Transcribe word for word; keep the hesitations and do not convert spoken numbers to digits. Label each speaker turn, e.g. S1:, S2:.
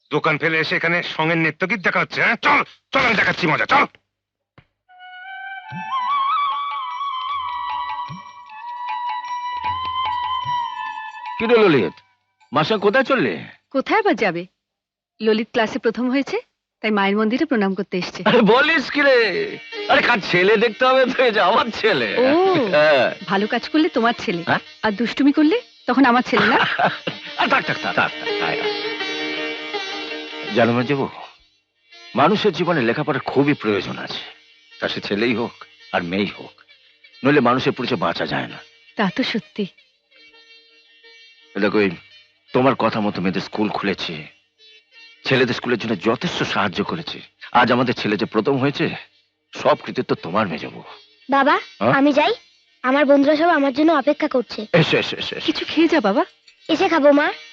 S1: দোকান ফেলে এসে এখানে সঙ্গের নৃত্যগীত দেখা হচ্ছে। হ্যাঁ চল চল, আমি দেখাচ্ছি মজা, চল।
S2: কি রে ললিত, মাসা কোথায় চললে?
S3: কোথায় আবার যাবে? ললিত ক্লাসে প্রথম হয়েছে, তাই মায়ের মন্দিরে প্রণাম করতে এসছে।
S2: আরে বলিস কি রে? আরে কার ছেলে দেখতে হবে তো, এই যে আমার ছেলে।
S3: ও
S2: হ্যাঁ।
S3: ভালো কাজ করলে তোমার ছেলে,
S2: হ্যাঁ?
S3: আর দুষ্টুমি করলে তখন আমার ছেলে না?
S2: আর থাক থাক থাক থাক, থাক, আয়, আয়। জানো না যাবো, মানুষের জীবনে লেখাপড়ার খুবই প্রয়োজন আছে, তা সে ছেলেই হোক আর মেয়েই হোক, নইলে মানুষের পরিচয় বাঁচা যায় না।
S3: তা তো সত্যি।
S2: দেখো, এই তোমার কথা মতো মেয়েদের স্কুল খুলেছে, ছেলেদের স্কুলের জন্য যথেষ্ট সাহায্য করেছে। আজ আমাদের ছেলে যে প্রথম হয়েছে, সব কৃতিত্ব তোমার মেজবো।
S4: বাবা
S2: হ্যাঁ?
S4: আমি যাই, আমার বন্ধুরা সব আমার জন্য অপেক্ষা করছে।
S2: এসো এসো এসো এসো।
S3: কিছু খেয়ে যা বাবা।
S4: এসে খাবো মা।